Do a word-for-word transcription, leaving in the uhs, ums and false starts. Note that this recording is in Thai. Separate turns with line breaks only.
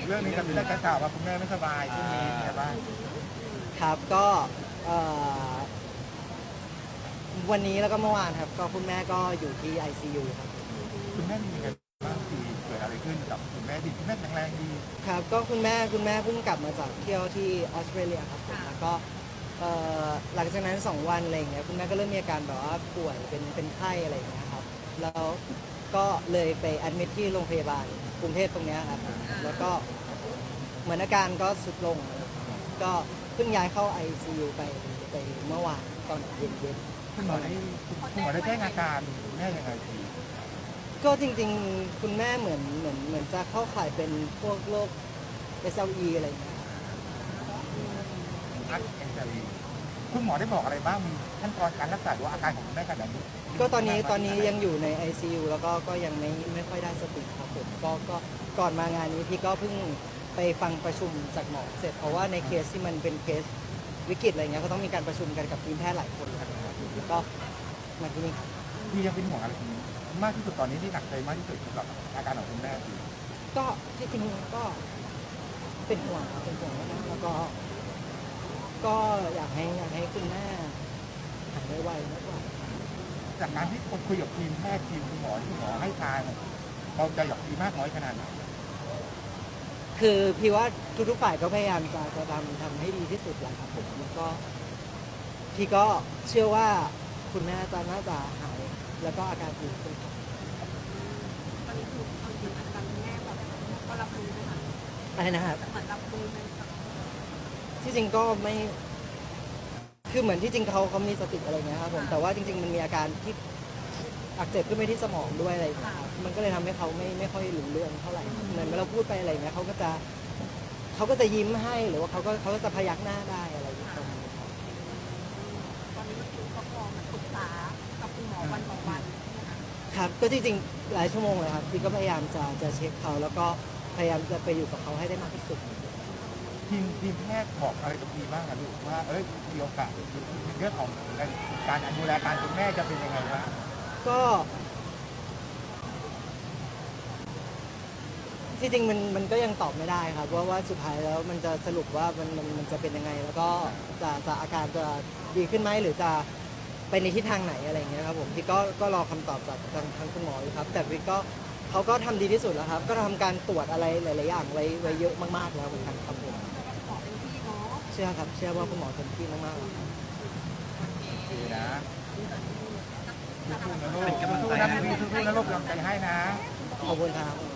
เรื่องนี้กับเรื่องการข่าวว่าคุณแม่ไม่สบายช่วงนี้เป็นไงบ้าง
ครับก็เอ่อวันนี้แล้วก็เมื่อวานครับก็คุณแม่ก็อยู่ที่ ไอ ซี ยู ครับ
คุณแม่มีอะไรบ้างที่เกิดอะไรขึ้นกับคุณแม่ดีคุณแม่แข็งแรงดี
ครับก็คุณแม่คุณแม่เพิ่งกลับมาจากเที่ยวที่ออสเตรเลียครับผมแล้วก็เอ่อหลังจากนั้นสองวันอะไรอย่างเงี้ยคุณแม่ก็เริ่มมีอาการแบบว่าป่วยเป็นเป็นไข้อะไรอย่างเงี้ยครับแล้วก็เลยไปแอดมิทที่โรงพยาบาลกรุงเทพตรงเนี้ยครับแล้วก็เหมือนอาการก็สุดลงก็เพิ่งย้ายเข้า ไอ ซี ยู ไปไปเมื่อวานตอนเย็นๆ
คุณหมอได้คุณหมอได้แจ้งอาการคุณแม่ยังไงที
ก็จริงๆคุณแม่เหมือนเหมือนเหมือนจะเข้าข่ายเป็นพวกโรค เอส แอล อี อะไรอย่างเงี้ย
อักแอนเจลีคุณหมอได้บอกอะไรบ้างมีขั้นตอนการรักษาหรือว่าอาการของคุณแม่ขนาดนี้
ก็ตอนนี้ตอนนี้ยังอยู่ใน ไอ ซี ยู แล้วก็ก็ยังไม่ไม่ค่อยได้สติครับผมก็ก็ก่อนมางานนี้พี่ก็เพิ่งไปฟังประชุมจากหมอเสร็จเพราะว่าในเคสที่มันเป็นเคสวิกฤตอะไรเงี้ยก็ต้องมีการประชุมกันกับทีมแพทย์หลายคนครับแล้วก็มาที่นี่ครับ
พี่ยังเป็นห่วงอะไรทีนี้มากที่สุดตอนนี้ที่หนักใจมากที่สุดสำหรับอาการของคุณแม่คือ
ก็ที่จริงก็เป็นห่วงครับเป็นห่วงนะแล้วก็ก็อยากให้อยากให้คุณแม่หายไวๆมากกว่า
จากการที่คุยกับทีมแพทย์ทีมคุณหมอที่คุณหมอให้ทางเราจะอยากดีมากน้อยขนาดไหน
คือพี่ว่าทุกๆฝ่ายก็พยายามจะจะทำทำให้ดีที่สุดแหละครับผมแล้วก็พี่ก็เชื่อว่าคุณแม่จะน่าจะหายแล้วก็อาการดีขึ้นครับ
ตอนนี้คือเอาจริงอาการคุณแม่แบบก็รับรู้ไหมคะ
อะไรนะครับ
เหมือนรับรู้ไหมคะ
ที่จริงก็ไม่คือเหมือนที่จริงเขาเขามีสติอะไรเงี้ยครับผมแต่ว่าจริงๆมันมีอาการที่อักเสบขึ้นไปที่สมองด้วยอะไรอย่างเงี้ยครับมันก็เลยทำให้เขาไม่ไม่ค่อยรู้เรื่องเท่าไหร่เหมือนเวลาพูดไปอะไรเงี้ยเขาก็จะเขาก็จะยิ้มให้หรือว่าเขาก็เขาก็จะพยักหน้าได้อะไรอย่างเงี้ยครับ
ตอนนี้ก็คือก็พอมาปรึกษากับคุณหมอวันต่อวันนะคะ
ครับก็จริงๆหลายชั่วโมงเลยครับพี่ก็พยายามจะจะเช็คเขาแล้วก็พยายามจะไปอยู่กับเขาให้ได้มากที่สุด
ทีมทีมแพทย์บอกอะไรกับพี่บ้างอะลูกว่าเอ้ยมีโอกาสเรื่องของการดูแลการคุณแม่จะเป็นยังไงบ้าง
ก็ที่จริงมันมันก็ยังตอบไม่ได้ครับว่าว่าสุดท้ายแล้วมันจะสรุปว่ามันมันมันจะเป็นยังไงแล้วก็จะจะอาการจะดีขึ้นไหมหรือจะไปในทิศทางไหนอะไรอย่างเงี้ยครับผมพี่ก็ก็รอคำตอบจากทางทางคุณหมออยู่ครับแต่พี่ก็เขาก็ทำดีที่สุดแล้วครับก็ทำการตรวจอะไรหลายๆอย่างไว้ไว้เยอะมากๆแล้วเหมือนกันครับผม
ขอเป็นพี่เนาะ
เชื่อครับเชื่อว่าคุณหมอเต็มที่มากๆแล้วครับ
ดีนะสู้นะลูกสู้นะพี่สู้นะลูกกำลังใจให้นะ
ขอบคุณครับ